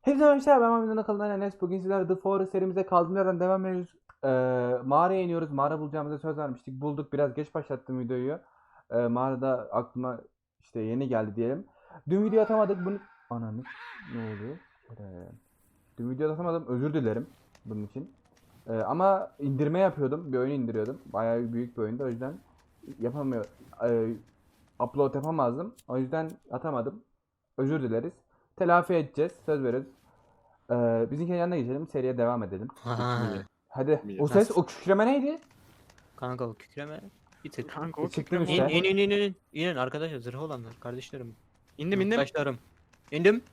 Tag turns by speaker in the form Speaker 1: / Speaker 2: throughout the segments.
Speaker 1: Hepinize arkadaşlar, ben Mahmut'un kanalından Enes. Bugün sizlerle The Forest serimize kaldığımız yerden devam ediyoruz. Mağaraya iniyoruz. Mağara bulacağımıza söz vermiştik. Bulduk. Biraz geç başlattım videoyu. Mağarada aklıma işte yeni geldi diyelim. Dün video atamadık. Bunu... Ananı... Ne oluyor? Dün video atamadım. Özür dilerim bunun için. Ama indirme yapıyordum. Bir oyun indiriyordum. Bayağı büyük bir oyundu. O yüzden yapamıyor. Upload yapamazdım. O yüzden atamadım. Özür dileriz. Telafi edeceğiz. Söz veriyoruz. Bizimkinin yanına geçelim. Seriye devam edelim.
Speaker 2: Ha,
Speaker 1: Hadi. O ses,
Speaker 2: Nasıl?
Speaker 1: o kükreme neydi?
Speaker 2: kanka o kükreme bir tık.
Speaker 3: Kanka o
Speaker 1: Çıktım
Speaker 3: kükreme
Speaker 1: işte.
Speaker 2: İnin arkadaşlar, zırhı olanlar kardeşlerim.
Speaker 3: İndim.
Speaker 2: Arkadaşlarım. İndim.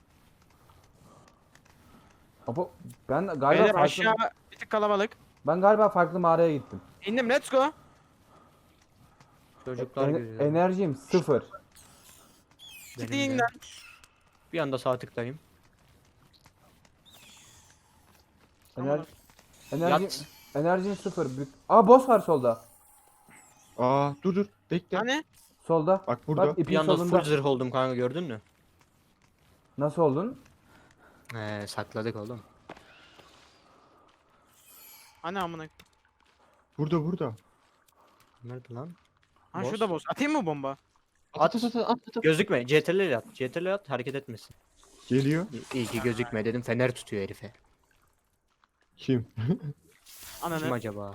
Speaker 1: Apo, ben galiba
Speaker 3: Beyler
Speaker 1: farklı,
Speaker 3: aşağı bir tık kalabalık.
Speaker 1: ben galiba farklı mağaraya gittim.
Speaker 3: İndim, let's go.
Speaker 2: Çocuklar görüyor.
Speaker 1: Enerjim sıfır.
Speaker 2: Benim de.
Speaker 3: Gidin lan.
Speaker 2: Bir anda sağ tıklayayım.
Speaker 1: Ener, enerjim,
Speaker 2: Yat.
Speaker 1: enerjim sıfır. Aa, boss var solda.
Speaker 4: Dur bekle.
Speaker 3: Hani?
Speaker 1: Solda.
Speaker 4: Bak burada.
Speaker 1: Bak
Speaker 2: Bir
Speaker 1: ipin
Speaker 2: anda
Speaker 1: solunda.
Speaker 2: full zırh oldum kanka, gördün mü?
Speaker 1: Nasıl oldun?
Speaker 2: Sakladık oğlum.
Speaker 3: Hani amına.
Speaker 4: Burada.
Speaker 2: Nerede lan?
Speaker 3: Ha
Speaker 2: Boss.
Speaker 3: şurada boss. Atayım mı bomba?
Speaker 2: At.
Speaker 4: At.
Speaker 2: Gözükme. CTRL at. CTRL at, hareket etmesin.
Speaker 4: Geliyor.
Speaker 2: İyi ki gözükme dedim, fener tutuyor herife.
Speaker 4: Kim?
Speaker 2: Kim
Speaker 3: Ananı.
Speaker 2: acaba?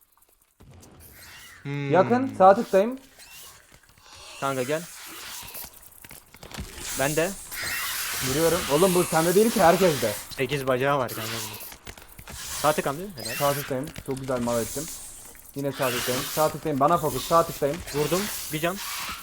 Speaker 1: Yakın. Sağ tıktayım.
Speaker 2: Kanka gel. Ben de
Speaker 1: Vuruyorum. Oğlum bu sende değil ki, herkeste.
Speaker 2: 8 bacağı var kanka bunun. Sağ tıkan değil mi? Helal.
Speaker 1: Sağ tıktayım. Çok güzel mal ettim. Yine sağ tıktayım. Sağ tıktayım. Bana fokus. Sağ tıktayım.
Speaker 2: Vurdum. Bir can.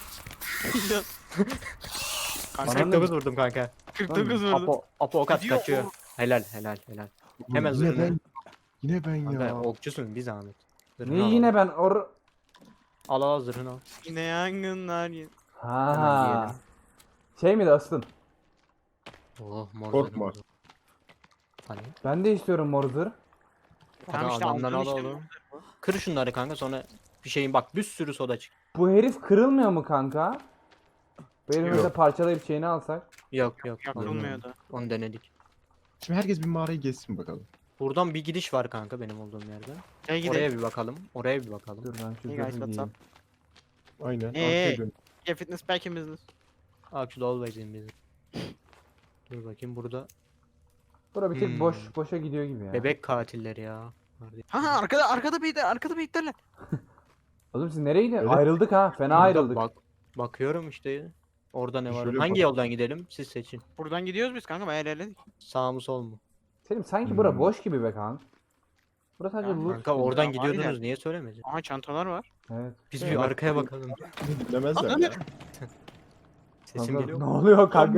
Speaker 1: Ananı-
Speaker 2: 49 vurdum kanka.
Speaker 3: 49 vurdu.
Speaker 2: Apo ok at,
Speaker 3: Gidiyor
Speaker 2: kaçıyor.
Speaker 3: o.
Speaker 2: Helal. Hemen
Speaker 4: Yine
Speaker 2: zırhını.
Speaker 4: ben. Yine ben
Speaker 2: Kanka
Speaker 4: ya.
Speaker 2: okçusun bir zahmet. Zırhını
Speaker 1: Ne
Speaker 2: al.
Speaker 1: yine ben
Speaker 2: Al zırhını al.
Speaker 3: Yine yangınlar.
Speaker 2: Hemen
Speaker 1: Ha.
Speaker 2: giyelim.
Speaker 1: Şey miydi aslan?
Speaker 2: Oh mor
Speaker 4: Korkma.
Speaker 2: zırhını. Hani?
Speaker 1: Ben de istiyorum mor zırh.
Speaker 3: Tamam işte
Speaker 2: Adamdan
Speaker 3: aldın
Speaker 2: al
Speaker 3: işte.
Speaker 2: oğlum. Kır şunları kanka, sonra bir şeyin bak, bir sürü soda çık.
Speaker 1: Bu herif kırılmıyor mu kanka? Bu herifi
Speaker 4: Yok.
Speaker 1: mesela parçalayıp şeyini alsak.
Speaker 2: Yok.
Speaker 3: Yakılmıyordu.
Speaker 2: Onu denedik.
Speaker 4: Şimdi herkes bir mağarayı gezsin bakalım.
Speaker 2: Buradan bir gidiş var kanka benim olduğum yerden.
Speaker 3: Gel gidelim.
Speaker 2: Oraya bir bakalım. Oraya bir bakalım.
Speaker 1: Dur ben şu
Speaker 3: Hey guys,
Speaker 1: zırhı
Speaker 3: what's
Speaker 1: giyeyim.
Speaker 4: Aynen.
Speaker 3: Hey.
Speaker 4: Arkaya dön.
Speaker 3: Gel fitness back in business.
Speaker 2: Actually always in business. Dur bakayım burada.
Speaker 1: Bura bir tek
Speaker 2: Hmm.
Speaker 1: boşa gidiyor gibi ya.
Speaker 2: Bebek katilleri ya.
Speaker 3: Ha arkada beyitler.
Speaker 1: Oğlum siz nereye gidiyorsunuz?
Speaker 4: Öyle.
Speaker 1: Ayrıldık ha. Fena
Speaker 2: Burada
Speaker 1: ayrıldık.
Speaker 2: bakıyorum işte. Orada ne var?
Speaker 4: Şöyle
Speaker 2: Hangi
Speaker 4: bak.
Speaker 2: yoldan gidelim? Siz seçin.
Speaker 3: Buradan gidiyoruz biz kanka, bayağı ilerledik.
Speaker 2: Sağ mı sol mu?
Speaker 1: Selim sanki bura
Speaker 4: Hmm.
Speaker 1: boş gibi be kanka. Burası sadece
Speaker 3: Ya
Speaker 1: loot.
Speaker 2: Kanka
Speaker 1: gibi.
Speaker 2: oradan
Speaker 3: var
Speaker 2: gidiyordunuz,
Speaker 3: ileride.
Speaker 2: niye söylemedin?
Speaker 3: Aha çantalar var.
Speaker 1: Evet.
Speaker 2: Biz
Speaker 4: Evet.
Speaker 2: bir arkaya bakalım.
Speaker 4: Dinlemezler ya.
Speaker 2: Sesim
Speaker 1: Kanka,
Speaker 2: geliyor
Speaker 1: ne
Speaker 2: mu?
Speaker 1: oluyor kanka?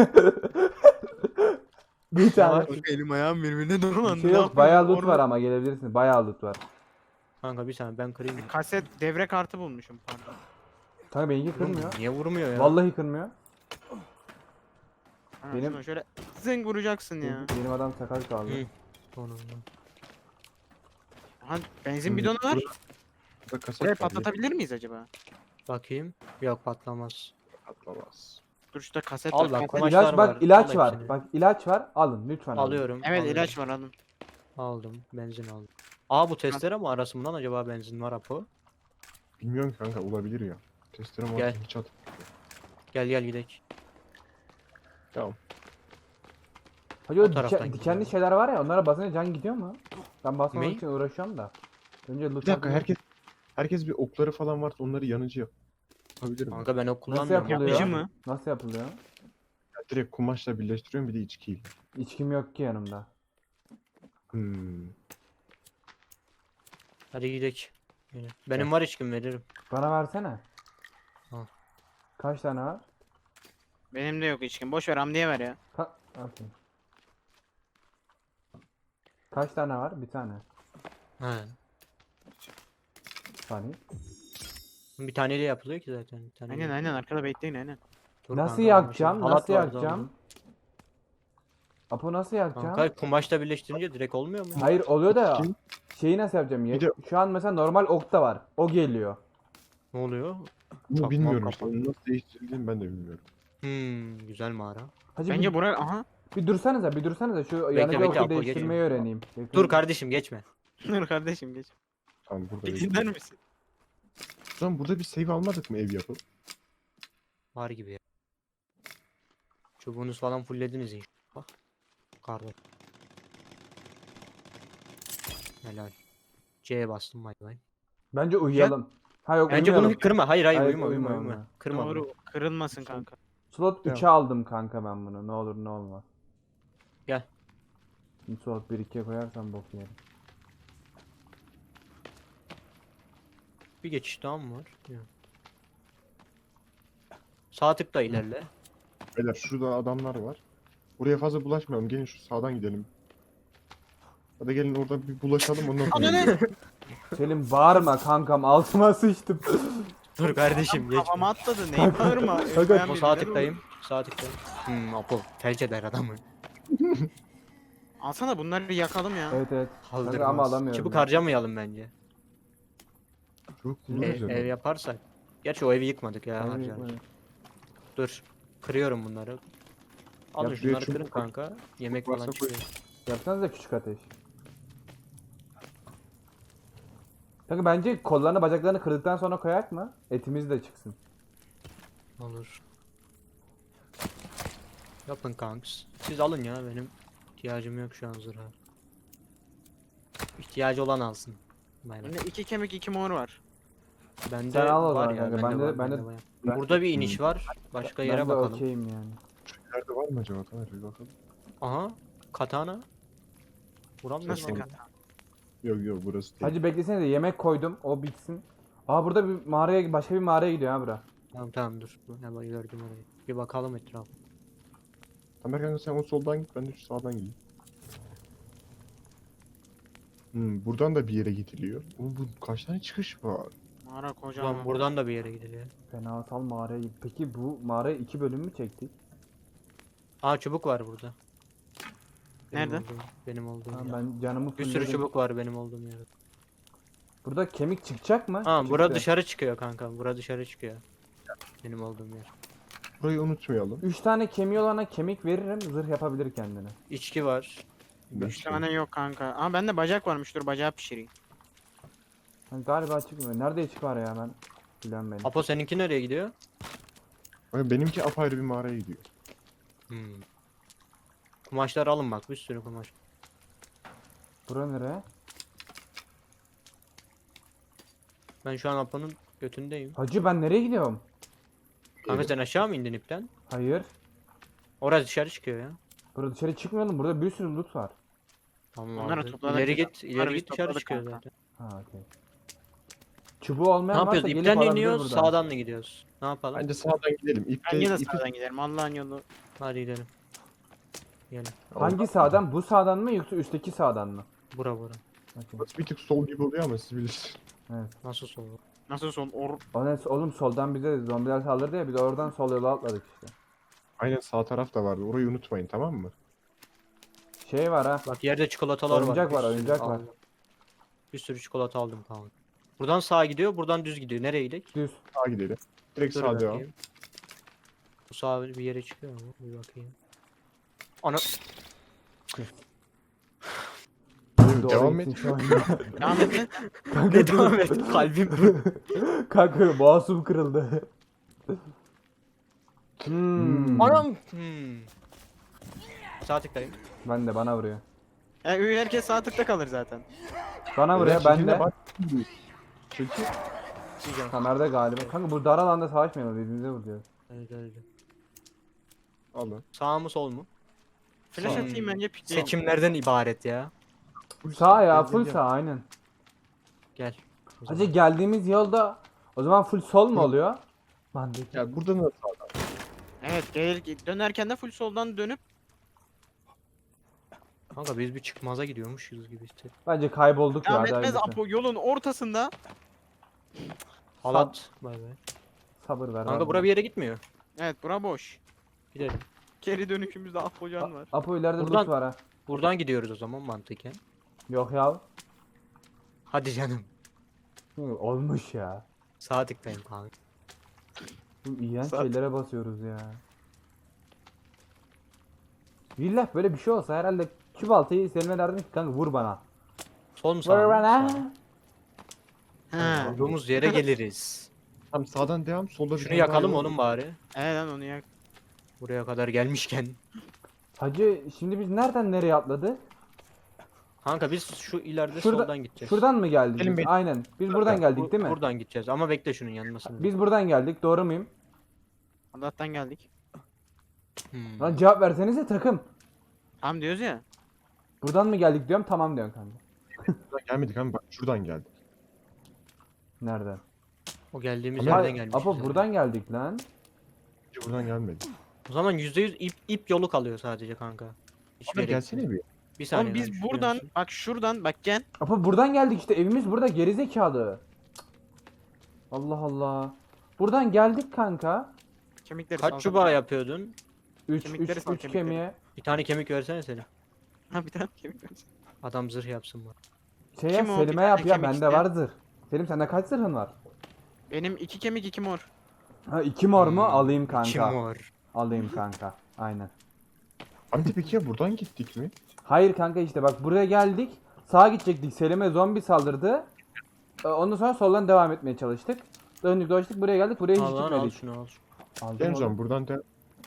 Speaker 1: Bir tane.
Speaker 3: Kanka elim ayağım birbirine
Speaker 1: Bir
Speaker 3: dolandı.
Speaker 1: şey yok. Bayağı loot var ama gelebilirsin. Bayağı loot var.
Speaker 2: Kanka bir saniye ben kırayım.
Speaker 3: Kaset devre kartı bulmuşum pardon.
Speaker 1: Kanka benimki
Speaker 2: Oğlum,
Speaker 1: kırmıyor.
Speaker 2: niye vurmuyor ya?
Speaker 1: Vallahi kırmıyor.
Speaker 3: Ha,
Speaker 1: Benim-
Speaker 3: şuna şöyle zing vuracaksın ya.
Speaker 1: Benim adam sakat kaldı.
Speaker 2: Hı. Sonunda.
Speaker 3: Aha benzin bidonu var.
Speaker 4: Burada kaset
Speaker 3: Burayı
Speaker 4: var,
Speaker 3: patlatabilir miyiz acaba?
Speaker 2: Bakayım. Yok, patlamaz.
Speaker 4: patlamaz.
Speaker 3: Dur şurada kaset
Speaker 2: Al
Speaker 3: var.
Speaker 2: bak,
Speaker 3: kaset-
Speaker 2: kumaşlar
Speaker 1: İlaç bak,
Speaker 2: var,
Speaker 1: ilaç
Speaker 2: al
Speaker 1: var.
Speaker 2: hepsini.
Speaker 1: Bak ilaç var. Alın lütfen. alın.
Speaker 2: Alıyorum.
Speaker 3: Evet
Speaker 2: alıyorum.
Speaker 3: ilaç var alın.
Speaker 2: Aldım. Benzin aldım. Aa, bu testere mi arasından acaba benzin var Apo?
Speaker 4: Bilmiyorum kanka, olabilir ya. Testere
Speaker 2: Gel.
Speaker 4: var. Hiç at.
Speaker 2: Gel gidelim.
Speaker 4: Tamam.
Speaker 1: Hacı
Speaker 2: O
Speaker 1: o
Speaker 2: taraftan
Speaker 1: dikenli
Speaker 2: gidiyor.
Speaker 1: şeyler var ya, onlara basınca can gidiyor mu? Ben basmamak
Speaker 2: Ne?
Speaker 1: için uğraşıyorum da. Önce loot
Speaker 4: Bir dakika,
Speaker 1: yapayım.
Speaker 4: herkes bir okları falan varsa onları yanıcı yap. Yapabilirim.
Speaker 2: Kanka ben o
Speaker 1: Nasıl
Speaker 2: kullanmıyorum.
Speaker 1: yapılıyor?
Speaker 3: Yapıcı mı?
Speaker 1: Nasıl yapılıyor?
Speaker 4: Direkt kumaşla birleştiriyorum, bir de içkiyle.
Speaker 1: İçkim yok ki yanımda.
Speaker 4: Hmm.
Speaker 2: Hadi gidelim. Yine. Benim var, içkim veririm.
Speaker 1: Bana versene.
Speaker 2: Al.
Speaker 1: Kaç tane var?
Speaker 3: Benim de yok içkim. Boş ver Hamdi'ye ver ya.
Speaker 1: Okey. Kaç tane var? Bir tane.
Speaker 2: He.
Speaker 1: Saniye.
Speaker 2: Bir taneyle yapılıyor ki zaten. Bir tane
Speaker 3: Aynen arkada bekleyin aynen.
Speaker 2: Dur
Speaker 1: Nasıl
Speaker 2: kanka,
Speaker 1: yakacağım?
Speaker 2: halat
Speaker 1: Nasıl
Speaker 2: vardı
Speaker 1: yakacağım?
Speaker 2: aldım.
Speaker 1: Apo nasıl yakacağım?
Speaker 2: Kanka kumaşla birleştirince direkt olmuyor mu?
Speaker 1: Hayır oluyor da
Speaker 4: Kim?
Speaker 1: şeyi nasıl yapacağım?
Speaker 4: Bir de-
Speaker 1: Şu an mesela normal okta var. O geliyor.
Speaker 2: Ne oluyor?
Speaker 4: Bunu
Speaker 2: Çakmak
Speaker 4: bilmiyorum işte.
Speaker 2: kapan.
Speaker 4: Onu nasıl değiştirildiğini ben de bilmiyorum.
Speaker 2: Güzel mağara.
Speaker 1: Hacı
Speaker 3: Bence buraya aha.
Speaker 1: Bir dursanıza, bir dursanıza. Şu
Speaker 2: Bekle,
Speaker 1: yanıcı
Speaker 2: bekle,
Speaker 1: oku
Speaker 2: Apo,
Speaker 1: değiştirmeyi
Speaker 2: geçme.
Speaker 1: öğreneyim.
Speaker 2: Dur kardeşim geçme.
Speaker 3: Dur kardeşim geç.
Speaker 4: Tamam burada
Speaker 3: Bir
Speaker 4: bekliyorum.
Speaker 3: dinler misin?
Speaker 4: O zaman burada bir save almadık mı ev yapıp?
Speaker 2: Var gibi ya. Çubuğunuz falan fulllediniz inşallah. Bak. Karda. Helal. C'ye bastım bay bay.
Speaker 1: Bence uyuyalım. Ha yok
Speaker 2: Bence bunu
Speaker 1: uyumayalım.
Speaker 2: bir kırma. Hayır hayır
Speaker 1: Hayır,
Speaker 2: uyuma uyuma
Speaker 1: uyuma,
Speaker 2: uyuma.
Speaker 1: uyuma.
Speaker 2: Kırma bunu.
Speaker 3: Doğru. Kırılmasın kanka.
Speaker 1: Slot
Speaker 4: Tamam.
Speaker 1: 3'e aldım kanka ben bunu. Ne olur ne olmaz.
Speaker 2: Gel.
Speaker 1: Şimdi slot 1-2'ye koyarsam bok yerim.
Speaker 2: Bir geçiş daha mı var? Yok. Sağ tıkla ilerle.
Speaker 4: Beyler şurada adamlar var. Buraya fazla bulaşmayalım. Gelin şu sağdan gidelim. Hadi gelin orada bir bulaşalım ondan sonra.
Speaker 3: Ananı!
Speaker 1: Selim bağırma kankam altıma sıçtım.
Speaker 2: Dur kardeşim geçme.
Speaker 3: Kafama atladı. Neyi bağırma?
Speaker 1: Kanka,
Speaker 2: O sağ tıklayayım. Sağ tıklayayım. Apo felç eder adamı.
Speaker 3: Alsana bunları yakalım ya.
Speaker 1: Evet evet.
Speaker 2: Kaldırmaz.
Speaker 1: Kanka ama alamıyorum.
Speaker 2: Çubuk
Speaker 1: ya.
Speaker 2: harcamayalım bence.
Speaker 4: Çok
Speaker 2: Ev,
Speaker 4: kullanacağım.
Speaker 2: ev yaparsak. Gerçi o evi yıkmadık ya
Speaker 1: Hayır,
Speaker 2: harcarız.
Speaker 1: hayır.
Speaker 2: Dur. Kırıyorum bunları. Alın
Speaker 4: Ya şuraya
Speaker 2: şunları
Speaker 4: çubuk
Speaker 2: kırın
Speaker 4: koy.
Speaker 2: kanka. Yemek
Speaker 4: Varsa
Speaker 2: falan
Speaker 4: koy.
Speaker 2: çıkıyor.
Speaker 1: Yapsanız da küçük ateş. Kanka bence kollarını bacaklarını kırdıktan sonra koyak mı? Etimiz de çıksın.
Speaker 2: Olur. Yapın kanks. Siz alın ya benim ihtiyacım yok şu an zırha. İhtiyacı olan alsın. Bay bay.
Speaker 3: Bende 2 kemik 2 mor var.
Speaker 2: Bende
Speaker 1: Sen al o
Speaker 2: var
Speaker 1: zaman
Speaker 2: ya,
Speaker 1: kanka.
Speaker 2: bende
Speaker 1: Ben de-
Speaker 2: var,
Speaker 1: ben de-
Speaker 2: bende var.
Speaker 1: ben-
Speaker 2: Burada bir iniş var. Başka yere
Speaker 1: Ben de
Speaker 2: bakalım.
Speaker 1: okeyim yani.
Speaker 4: Nerede var mı acaba? Taner bir bakalım.
Speaker 2: Aha. Katana. Vuramıyor
Speaker 3: Nasıl
Speaker 2: lan.
Speaker 3: kata?
Speaker 4: Yok yok burası değil.
Speaker 1: Hacı beklesene de yemek koydum. O bitsin. Aa burada bir mağaraya başka bir mağaraya gidiyor ha bura.
Speaker 2: Tamam tamam dur. Hemen gördüm orayı. Bir bakalım etrafa.
Speaker 4: Tamer kanka sen o soldan git ben de şu sağdan gideyim. Buradan da bir yere gidiliyor. Oğlum bu kaç tane çıkış var?
Speaker 3: Mağara kocaman.
Speaker 2: Ulan buradan da bir yere gidiliyor.
Speaker 1: Fenasal mağaraya git. Peki bu mağaraya 2 bölüm mü çektik?
Speaker 2: Aa çubuk var burada.
Speaker 3: Nerede?
Speaker 2: Benim olduğum
Speaker 1: Tamam,
Speaker 2: yer.
Speaker 1: ben canımı
Speaker 2: Bir sürü
Speaker 1: fullledim.
Speaker 2: çubuk var benim olduğum yerde.
Speaker 1: Burada kemik çıkacak mı?
Speaker 2: Aa bura
Speaker 1: Çıktı.
Speaker 2: dışarı çıkıyor kanka. Bura dışarı çıkıyor. Benim olduğum yer.
Speaker 4: Burayı unutmayalım.
Speaker 1: 3 tane kemiği olana kemik veririm. Zırh yapabilir kendine.
Speaker 2: İçki var.
Speaker 3: 3 tane yok kanka. Ama bende bacak varmış. Dur bacağı pişireyim.
Speaker 1: Hani galiba çıkmıyor. Nerede çık var ya ben? Bilen benim.
Speaker 2: Apo seninki nereye gidiyor?
Speaker 4: Kanka benimki apayrı bir mağaraya gidiyor.
Speaker 2: Kumaşları alın bak bir sürü kumaş.
Speaker 1: Bura nere?
Speaker 2: Ben şu an Apo'nun götündeyim.
Speaker 1: Hacı ben nereye gidiyorum?
Speaker 2: Kanka sen aşağı mı indin ipten?
Speaker 1: Hayır.
Speaker 2: Orası dışarı çıkıyor ya.
Speaker 1: Burada dışarı çıkmayalım. Burada bir sürü loot var.
Speaker 2: Tamam
Speaker 3: Onları
Speaker 2: abi.
Speaker 3: topladık
Speaker 2: İleri
Speaker 3: ya.
Speaker 2: git,
Speaker 3: Onları
Speaker 2: ileri
Speaker 3: biz
Speaker 2: git dışarı
Speaker 3: topladık
Speaker 2: çıkıyor
Speaker 3: kanka.
Speaker 2: zaten.
Speaker 1: Ha okey. Çubuğu
Speaker 2: Ne
Speaker 1: olmayan varsa
Speaker 2: yapıyoruz?
Speaker 1: gelip
Speaker 2: İpten
Speaker 1: alabilir
Speaker 2: iniyoruz,
Speaker 1: buradan.
Speaker 2: sağdan mı gidiyoruz? Ne yapalım?
Speaker 4: Bence sağdan gidelim.
Speaker 3: Bence de
Speaker 4: ipi-
Speaker 3: sağdan gidelim. Allah'ın yolu.
Speaker 2: Hadi gidelim. Gelin.
Speaker 1: Hangi sağdan? Bu sağdan mı yoksa üstteki sağdan mı?
Speaker 2: Bura bura.
Speaker 1: Okey.
Speaker 4: Burası bir tık sol gibi oluyor ama siz bilirsiniz.
Speaker 2: Nasıl soldu?
Speaker 3: Nasıl son?
Speaker 1: Oğlum soldan bize zombiler saldırdı ya biz de oradan sol yola atladık işte.
Speaker 4: Aynen sağ taraf da vardı. Orayı unutmayın tamam mı?
Speaker 1: Şey var ha.
Speaker 2: Bak yerde çikolatalar
Speaker 1: Oyuncak
Speaker 2: var.
Speaker 1: var,
Speaker 2: bir sürü
Speaker 1: oyuncak var.
Speaker 2: aldım. Bir sürü çikolata aldım kanka. Buradan sağa gidiyor, buradan düz gidiyor. Nereye gidelim?
Speaker 1: Düz.
Speaker 4: Sağa gidelim. Direkt
Speaker 2: Dur
Speaker 4: sağa devam.
Speaker 2: bakayım. Bu sağ bir yere çıkıyor mu? Bir bakayım. Ana
Speaker 4: Devam et.
Speaker 3: Devam et.
Speaker 1: Kanka,
Speaker 2: ne devam et kalbim.
Speaker 1: Kanka boğazım kırıldı.
Speaker 2: Anam. Sağ tıklayayım.
Speaker 1: Ben de bana vuruyor.
Speaker 3: Herkes sağ tıkta kalır zaten.
Speaker 1: Bana vuruyor ben de.
Speaker 4: Çünkü
Speaker 2: Diyeceğim.
Speaker 1: Kamerada galiba. Kanka bu dar alanda savaşmayalım birbirimize vuruyoruz.
Speaker 2: Evet öyle.
Speaker 4: alın.
Speaker 2: Sağ mı sol mu?
Speaker 3: Flash
Speaker 2: Hmm.
Speaker 3: atayım bence pikleyeyim.
Speaker 2: Seçimlerden ibaret ya.
Speaker 1: Sağ ya
Speaker 4: Gel,
Speaker 1: full
Speaker 4: gel,
Speaker 1: sağ aynen.
Speaker 2: Gel. O
Speaker 1: Hacı
Speaker 2: zaman.
Speaker 1: geldiğimiz yolda o zaman full sol mu oluyor? Mantık.
Speaker 4: gel. Buradan da sağdan.
Speaker 3: Evet dönerken de full soldan dönüp
Speaker 2: Kanka biz bir çıkmaza gidiyormuşuz gibi hissettim.
Speaker 1: Bence kaybolduk ya.
Speaker 3: devam
Speaker 1: daha
Speaker 3: etmez
Speaker 1: öncesi.
Speaker 3: Apo yolun ortasında.
Speaker 2: Halat. Bay bay.
Speaker 1: Sabır ver.
Speaker 2: Kanka
Speaker 1: abi.
Speaker 2: bura bir yere gitmiyor.
Speaker 3: Evet bura boş.
Speaker 2: Gidelim.
Speaker 3: Geri dönüşümüzde Apocan var.
Speaker 1: Apo ileride
Speaker 2: Buradan-
Speaker 1: loot var ha.
Speaker 2: Buradan gidiyoruz o zaman mantıken.
Speaker 1: Yok ya.
Speaker 2: Hadi canım.
Speaker 1: Olmuş ya.
Speaker 2: Sağ tıklayın kanka.
Speaker 1: Bu iğrenç
Speaker 3: Saat-
Speaker 1: şeylere basıyoruz ya. Billah böyle bir şey olsa herhalde şu baltayı Selim'e derdim ki kanka vur bana.
Speaker 2: Son
Speaker 1: Vur
Speaker 2: sağ.
Speaker 1: bana.
Speaker 3: Ha.
Speaker 2: Olduğumuz yere geliriz.
Speaker 4: Tam sağdan devam. Solda bir
Speaker 2: Şunu
Speaker 4: tane daha
Speaker 2: yakalım
Speaker 4: yol.
Speaker 2: onun bari.
Speaker 3: Evet lan onu yak.
Speaker 2: Buraya kadar gelmişken.
Speaker 1: Hacı şimdi biz nereden nereye atladı?
Speaker 2: Kanka biz şu ileride
Speaker 1: Şurada-
Speaker 2: soldan gideceğiz.
Speaker 1: Şuradan mı geldik
Speaker 4: Gelin
Speaker 1: biz?
Speaker 4: beni-
Speaker 1: Aynen. Biz buradan geldik değil mi?
Speaker 2: Buradan gideceğiz ama bekle şunun yanmasını.
Speaker 1: Biz buradan geldik. Doğru muyum?
Speaker 3: Allah'tan geldik.
Speaker 2: Hmm.
Speaker 1: Lan cevap versenize takım.
Speaker 3: Tam diyoruz ya.
Speaker 1: Buradan mı geldik diyorum. Tamam diyorsun kanka.
Speaker 4: Buradan gelmedik ama bak şuradan geldik.
Speaker 1: Nereden?
Speaker 2: O geldiğimiz
Speaker 4: Ama-
Speaker 2: yerden
Speaker 1: Hayır,
Speaker 2: gelmişiz.
Speaker 1: Apo
Speaker 2: zaten.
Speaker 1: buradan geldik lan.
Speaker 4: Hiç buradan gelmedik.
Speaker 2: O zaman %100 ip yolu kalıyor sadece kanka. Hiçbir
Speaker 4: Abi
Speaker 2: yere
Speaker 4: gelsene bir.
Speaker 2: gitmiyor. Bir saniye.
Speaker 3: Oğlum
Speaker 2: ben
Speaker 3: biz
Speaker 2: şuraya
Speaker 3: buradan
Speaker 2: basayım.
Speaker 3: bak şuradan bak gel.
Speaker 1: Apo buradan geldik işte. Evimiz burada. Gerizekalı. Allah Allah. Buradan geldik kanka.
Speaker 3: Kemikleri
Speaker 2: Kaç
Speaker 3: sal.
Speaker 2: çubuğa yapıyordun?
Speaker 1: 3
Speaker 3: Kemikleri sal,
Speaker 1: 3
Speaker 3: kemikleri.
Speaker 1: kemiğe.
Speaker 2: Bir tane kemik versene Selim.
Speaker 3: Ha bir tane kemik ver.
Speaker 2: Adam zırh yapsın bana.
Speaker 1: Şey yap
Speaker 3: Kim o? Bir
Speaker 1: Selim'e
Speaker 3: tane
Speaker 1: yap ya.
Speaker 3: kemik
Speaker 1: Bende
Speaker 3: isteyen.
Speaker 1: var zırh. Selim sende kaç zırhın var?
Speaker 3: Benim 2 kemik 2 mor.
Speaker 1: Ha 2 mor mu? Alayım
Speaker 2: Kim
Speaker 1: kanka.
Speaker 2: var?
Speaker 1: Alayım kanka. Aynen.
Speaker 4: Abi peki ya buradan gittik mi?
Speaker 1: Hayır kanka işte bak buraya geldik. Sağa gidecektik. Selim'e zombi saldırdı. Ondan sonra soldan devam etmeye çalıştık. Döndük dolaştık buraya geldik. Buraya hiç
Speaker 2: Al lan al
Speaker 1: gitmedik.
Speaker 2: şunu al.
Speaker 1: Aldım
Speaker 4: Gel o
Speaker 1: oğlum.
Speaker 4: zaman buradan de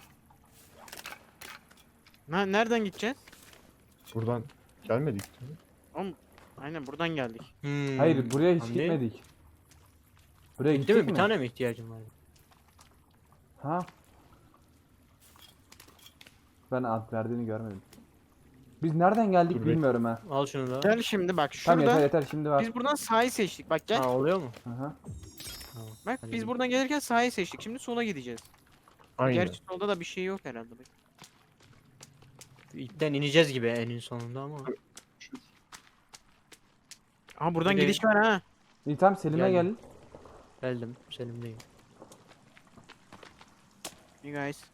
Speaker 3: Nereden gideceğiz?
Speaker 4: buradan gelmedik değil mi?
Speaker 3: Oğlum aynen buradan geldik.
Speaker 2: Hmm.
Speaker 1: Hayır buraya hiç
Speaker 2: Hamdi,
Speaker 1: gitmedik. Buraya
Speaker 2: Değil
Speaker 1: gittik
Speaker 2: mi?
Speaker 1: mi?
Speaker 2: Bir tane mi ihtiyacım var?
Speaker 1: Ha. Ben ad verdiğini görmedim. Biz nereden geldik
Speaker 4: Dur,
Speaker 1: bilmiyorum ha.
Speaker 2: Al şunu da.
Speaker 3: Gel şimdi bak
Speaker 1: Tamam
Speaker 3: şurada.
Speaker 1: yeter yeter şimdi var.
Speaker 3: Biz buradan sağı seçtik. Bak gel.
Speaker 2: Ha oluyor mu?
Speaker 1: Aha.
Speaker 2: Tamam.
Speaker 3: Bak
Speaker 2: hadi
Speaker 3: biz
Speaker 2: gel.
Speaker 3: buradan gelirken sağı seçtik. Şimdi sola gideceğiz.
Speaker 4: Aynen.
Speaker 3: Gerçi solda da bir şey yok herhalde. Bak.
Speaker 2: İpten ineceğiz gibi en sonunda ama.
Speaker 3: Aha buradan
Speaker 2: Bir de-
Speaker 3: gidiş var ha.
Speaker 1: İyi tamam Selim'e gel.
Speaker 2: Geldim. Geldim. Selim'deyim.
Speaker 3: You guys.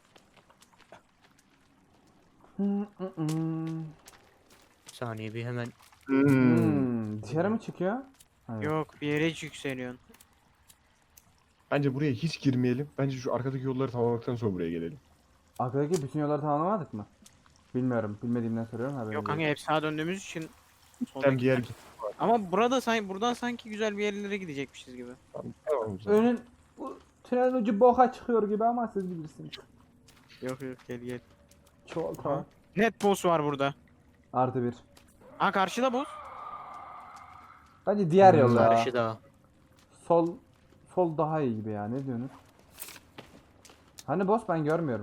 Speaker 2: Bir saniye bir hemen.
Speaker 1: Dışarı mı çıkıyor? Evet.
Speaker 3: Yok bir yere hiç yükseliyorsun.
Speaker 4: Bence buraya hiç girmeyelim. Bence şu arkadaki yolları tamamladıktan sonra buraya gelelim.
Speaker 1: Arkadaki bütün yolları tamamlamadık mı? Bilmiyorum. Bilmediğimden soruyorum. Haberim
Speaker 3: Yok
Speaker 1: yok.
Speaker 3: kanka hep sağa döndüğümüz için.
Speaker 4: Ben
Speaker 3: soldaki-
Speaker 4: bir yer git.
Speaker 3: Ama burada buradan sanki güzel bir yerlere gidecekmişiz gibi.
Speaker 4: Tamam, tamam o zaman.
Speaker 1: Önün bu tünelin ucu boka çıkıyor gibi ama siz bilirsiniz.
Speaker 3: Yok yok gel gel.
Speaker 1: Çok
Speaker 3: Aha. Net boss var burada.
Speaker 1: Artı bir.
Speaker 3: Ha karşıda boss.
Speaker 1: Bence diğer yol ya.
Speaker 2: Karşı daha.
Speaker 1: Sol daha iyi gibi ya. Ne diyorsunuz? Hani boss ben görmüyorum.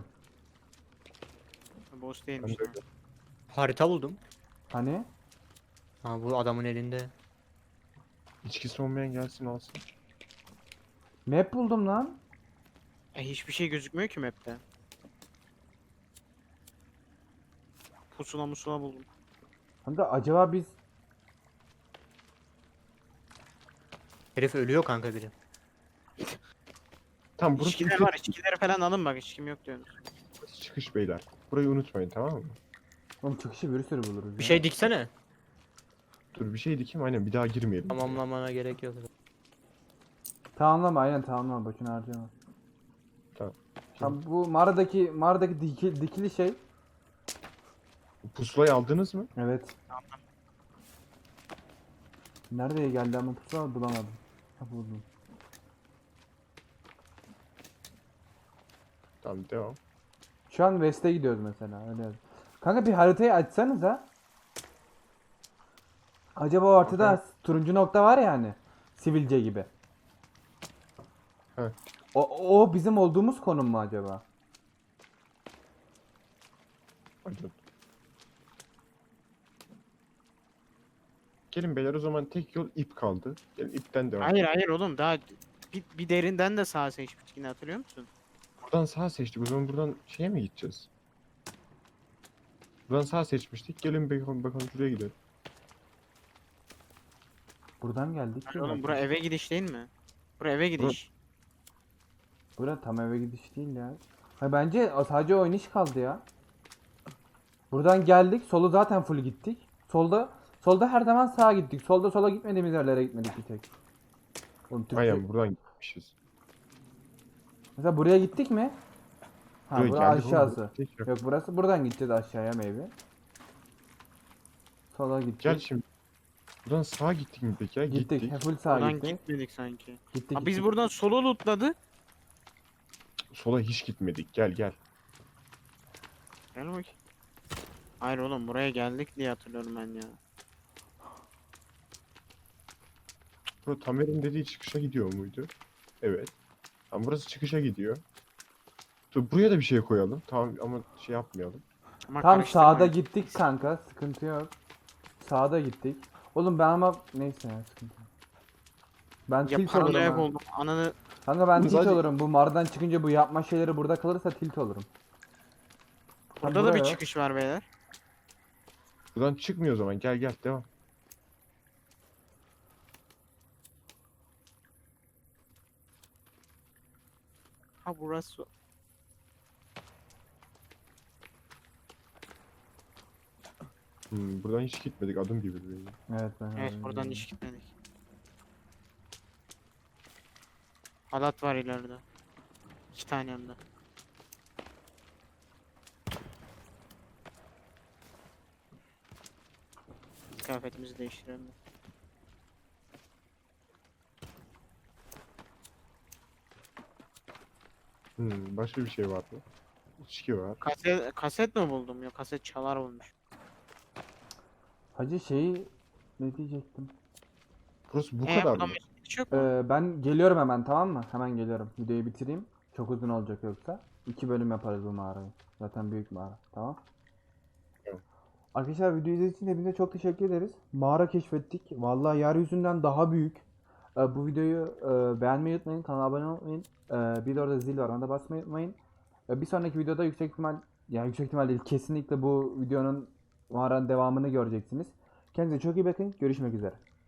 Speaker 3: Boss değilmiş.
Speaker 4: Ben de-
Speaker 3: ha.
Speaker 2: Harita buldum.
Speaker 1: Hani?
Speaker 2: Ha bu adamın elinde.
Speaker 4: İçkisi olmayan gelsin alsın.
Speaker 1: Map buldum lan.
Speaker 3: Hiçbir şey gözükmüyor ki map'te. Pusula musula buldum.
Speaker 1: Hani de acaba biz
Speaker 2: Herif ölüyor kanka biri.
Speaker 4: Tamam burası
Speaker 3: İçkiler var, içkileri falan alın bak, içkim yok diyorsunuz.
Speaker 4: çıkış beyler. Burayı unutmayın tamam mı?
Speaker 1: oğlum çıkışı bir sürü buluruz.
Speaker 2: Bir
Speaker 1: ya.
Speaker 2: şey diksene.
Speaker 4: Dur bir şey dikeyim aynen bir daha girmeyelim.
Speaker 2: Tamamlamana gerek yok.
Speaker 1: Tamamlama aynen tamamlama boşuna harcama.
Speaker 4: Tamam.
Speaker 1: Tamam bu mağaradaki dikili şey.
Speaker 4: Pusulayı aldınız mı?
Speaker 1: Evet. Nereye geldi ama pusula bulamadım. Ha buldum.
Speaker 4: Tamam devam.
Speaker 1: Şu an West'e gidiyoruz mesela öyle. Kanka bir haritayı açsanıza. Acaba o ortada turuncu nokta var ya hani. Sivilce gibi.
Speaker 4: He.
Speaker 1: O bizim olduğumuz konum mu acaba?
Speaker 4: Hadi. Gelin beyler o zaman tek yol ip kaldı. Gelin ipten devam.
Speaker 3: Hayır hayır oğlum, daha bir derinden de sağ seçmiştik yine, hatırlıyor musun?
Speaker 4: Buradan sağ seçtik. O zaman buradan şeye mi gideceğiz? Buradan sağ seçmiştik. Gelin bakalım şuraya gidelim.
Speaker 1: Buradan geldik.
Speaker 3: Hayır oğlum, bura eve gidiş değil mi? Bura eve gidiş.
Speaker 1: Bura tam eve gidiş değil ya. Ha bence sadece o iniş kaldı ya. Buradan geldik. Solu zaten full gittik. Solda her zaman sağa gittik. Solda sola gitmediğimiz yerlere gitmedik bir tek. Oğlum Türkçe-
Speaker 4: Aynen buradan gitmişiz.
Speaker 1: Mesela buraya gittik mi? Ha
Speaker 4: Buraya
Speaker 1: bura
Speaker 4: geldik oğlum,
Speaker 1: aşağısı.
Speaker 4: tek yok.
Speaker 1: Yok burası, buradan gideceğiz aşağıya maybe. Sola
Speaker 4: Gel
Speaker 1: gideceğiz.
Speaker 4: şimdi. Buradan sağa gittik mi peki ya?
Speaker 1: Gittik.
Speaker 4: Gittik.
Speaker 1: Full sağa
Speaker 3: Buradan
Speaker 1: gittik.
Speaker 3: gitmedik sanki.
Speaker 1: Gittik.
Speaker 3: Ha, biz
Speaker 1: gittik.
Speaker 3: buradan solo lootladık.
Speaker 4: Sola hiç gitmedik. Gel gel.
Speaker 3: Gel bakayım. Hayır oğlum, buraya geldik diye hatırlıyorum ben ya.
Speaker 4: Bura Tamer'in dediği çıkışa gidiyor muydu? Evet. Tamam, burası çıkışa gidiyor. Dur, buraya da bir şey koyalım. Tamam ama şey yapmayalım.
Speaker 3: Ama
Speaker 1: Tam
Speaker 3: karıştırma.
Speaker 1: sağda gittik kanka. Sıkıntı yok. Sağda gittik. Oğlum ben ama neyse ya, sıkıntı yok. Ben
Speaker 3: Ya
Speaker 1: tilt olurum
Speaker 3: paranoyak
Speaker 1: ha.
Speaker 3: oldum. Ananı
Speaker 1: Kanka ben tilt
Speaker 4: Sadece-
Speaker 1: olurum. Bu mağaradan çıkınca bu yapma şeyleri burada kalırsa tilt olurum. Ha,
Speaker 3: burada da bir
Speaker 1: buraya.
Speaker 3: çıkış var beyler.
Speaker 4: Buradan çıkmıyor o zaman. Gel gel devam.
Speaker 3: Ha burası.
Speaker 4: Buradan hiç gitmedik. Adım gibi duruyor.
Speaker 1: Evet ben
Speaker 3: Evet,
Speaker 1: öyle
Speaker 3: buradan
Speaker 1: diyorum.
Speaker 3: hiç gitmedik. Halat var ileride. 2 tane hem de. Kıyafetimizi değiştirelim.
Speaker 4: Başka bir şey var mı? İçki var.
Speaker 3: Kaset mi buldum? Yok, kaset çalar olmuş.
Speaker 1: Hacı şeyi ne diyecektim?
Speaker 4: Burası bu kadar
Speaker 3: Buradan
Speaker 4: mı?
Speaker 3: bir çıkış yok mu?
Speaker 1: Ben geliyorum hemen, tamam mı? Hemen geliyorum. Videoyu bitireyim. Çok uzun olacak yoksa. 2 bölüm yaparız bu mağarayı. Zaten büyük mağara. Tamam.
Speaker 4: Tamam.
Speaker 1: Arkadaşlar video izlediğiniz için hepinize çok teşekkür ederiz. Mağara keşfettik. Vallahi yeryüzünden daha büyük. Bu videoyu beğenmeyi unutmayın. Kanala abone olmayı unutmayın. Bir de orada zil var. Ona da basmayı unutmayın. Bir sonraki videoda yüksek ihtimal, yani yüksek ihtimal değil, kesinlikle bu videonun mağaranın devamını göreceksiniz. Kendinize çok iyi bakın. Görüşmek üzere.